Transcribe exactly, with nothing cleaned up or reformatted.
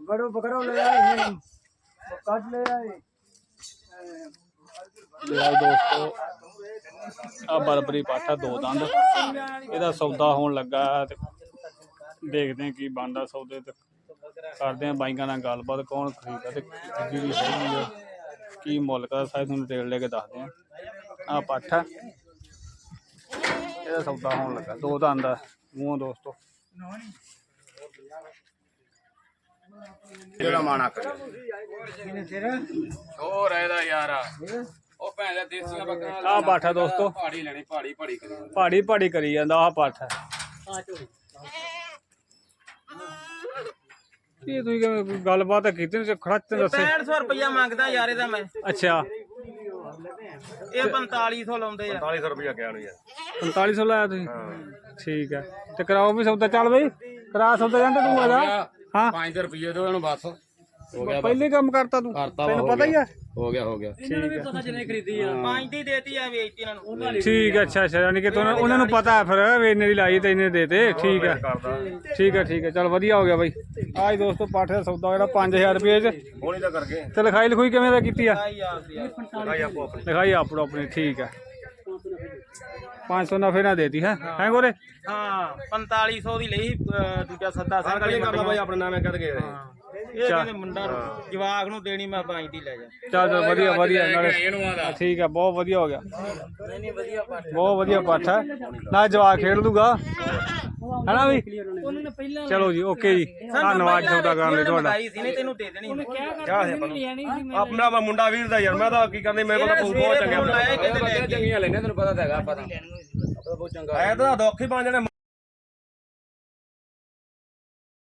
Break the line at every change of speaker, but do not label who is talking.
बड़ो बकरो ले आए काट ले आए
दोस्तों आ बरबरी पाठा दो दंद ਇਹਦਾ सौदा होने लगा ते देखते हैं की बनता सौदे ते करते हैं बाइकां नाल गलबात कौन खरीदा ते जी सही है की मुल का सारे तुहानूं डिटेल लेके दसदे हैं आ पाठा ਇਹਦਾ सौदा होने लगा दो दंद मूंह दोस्तों
ਜਿਹੜਾ ਮਾਣਾ ਕਰ
ਹੋਰ ਇਹਦਾ ਯਾਰਾ ਉਹ ਭੈਣ ਦਾ ਦੇਸੀਆਂ ਬੱਕਰੀਆਂ
ਆ ਪਾਠਾ ਦੋਸਤੋ
ਪਹਾੜੀ ਲੈਣੀ ਪਹਾੜੀ ਪਹਾੜੀ ਕਰੀ
ਪਹਾੜੀ ਪਹਾੜੀ ਕਰੀ ਜਾਂਦਾ ਆ ਪਾਠਾ ਇਹ ਤੁਸੀਂ ਕਿਵੇਂ ਗੱਲਬਾਤ ਕੀਤੀ ਨੇ ਖੜਾ ਤੇ ਦੱਸੇ
पैंठ सौ रुपया मंगदा यार ਇਹਦਾ मैं
ਅੱਛਾ
ਇਹ पैंताली सौ ਲਾਉਂਦੇ ਆ
पैंतालीस रुपया क्या नु यार
पैंताली सौ ਲਾਇਆ ਤੁਸੀਂ ਠੀਕ ਹੈ ਤੇ ਕਰਾਓ ਵੀ ਸੌਦਾ ਚੱਲ ਬਈ ਕਰਾ ਸੌਦਾ ਜਾਂਦੇ ਤੂੰ ਆ ਜਾ ਹਾਂ
ਪੰਜ ਰੁਪਏ ਦੋ ਇਹਨੂੰ ਬਸ ਹੋ ਗਿਆ
ਪਹਿਲੇ ਕੰਮ ਕਰਤਾ ਤੂੰ ਤੈਨੂੰ ਪਤਾ ਹੀ ਹੈ
ਹੋ ਗਿਆ ਹੋ ਗਿਆ
ਠੀਕ ਹੈ
ਪੰਜ ਦੀ ਦੇਤੀ ਆ ਵੇਚਤੀ ਇਹਨਾਂ ਨੂੰ
ਠੀਕ ਹੈ ਅੱਛਾ ਅੱਛਾ ਯਾਨੀ ਕਿ ਤੁਹਾਨੂੰ ਉਹਨਾਂ ਨੂੰ ਪਤਾ ਹੈ ਫਿਰ ਵੀ ਇੰਨੇ ਦੀ ਲਾਈ ਤੇ ਇੰਨੇ ਦੇ ਤੇ ਠੀਕ ਹੈ ਠੀਕ ਹੈ ਠੀਕ ਹੈ ਚਲ ਵਧੀਆ ਹੋ ਗਿਆ ਬਾਈ ਆਜ ਦੋਸਤੋ ਪਾਠੇ ਦਾ ਸੌਦਾ ਜਿਹੜਾ ਪੰਜ ਹਜ਼ਾਰ ਰੁਪਏ ਚ
ਹੋਣੀ ਤਾਂ ਕਰਕੇ
ਤੇ ਲਿਖਾਈ ਲਿਖੂਈ ਕਿਵੇਂ ਦਾ ਕੀਤੀ ਆ
ਭਾਈ ਆਪੋ ਆਪਣੀ
ਲਿਖਾਈ ਆਪੋ ਆਪਣੀ ਠੀਕ ਹੈ पाँच सौ नफे ना देती है हैं गोरे
ਹਾਂ पैंताली सौ ਦੀ ਲਈ ਦੂਜਾ ਸੱਦਾ ਸਿੰਘ ਵਾਲੀ
ਕਰਦਾ ਭਾਈ ਆਪਣੇ ਨਾਮੇ ਕੱਢ ਕੇ
ਇਹ ਕਹਿੰਦੇ ਮੁੰਡਾ ਜਵਾਕ ਨੂੰ ਦੇਣੀ ਮੈਂ ਪੰਜ ਦੀ ਲੈ ਜਾ
ਚੱਲ ਚੱਲ ਵਧੀਆ ਵਧੀਆ ਨਾਲੇ
ਇਹਨੂੰ ਆਦਾ
ਠੀਕ ਹੈ ਬਹੁਤ ਵਧੀਆ ਹੋ ਗਿਆ
ਨਹੀਂ ਨਹੀਂ ਵਧੀਆ ਪਾਠ
ਬਹੁਤ ਵਧੀਆ ਪਾਠ ਹੈ ਨਾ ਜਵਾਕ ਖੇਡ ਲੂਗਾ ਹੈਨਾ ਵੀ ਚਲੋ ਜੀ ਓਕੇ ਜੀ ਧੰਨਵਾਦ ਸੌਦਾ ਕਰਨ ਲਈ ਤੁਹਾਡਾ
ਲਗਾਈ ਸੀ ਨਹੀਂ ਤੈਨੂੰ ਦੇ ਦੇਣੀ ਉਹਨੇ ਕਿਹਾ
ਆਪਣਾ ਵਾ ਮੁੰਡਾ ਵੀਰ ਦਾ ਯਾਰ ਮੈਂ ਤਾਂ ਕੀ ਕਰਨੀ ਮੇਰੇ ਕੋਲ ਤਾਂ ਬਹੁਤ ਚੰਗੇ
ਲਾਇਆ ਕਿਤੇ ਲੈ ਕੇ
ਚੰਗੀਆਂ ਲੈਣੇ ਤੈਨੂੰ ਪਤਾ ਤਾਂ ਹੈਗਾ ਆਪਾਂ ਤਾਂ ਬਹੁਤ ਚੰਗਾ
ਐ ਤਾਂ ਦੁੱਖ ਹੀ ਬਣ ਜਾਣੇ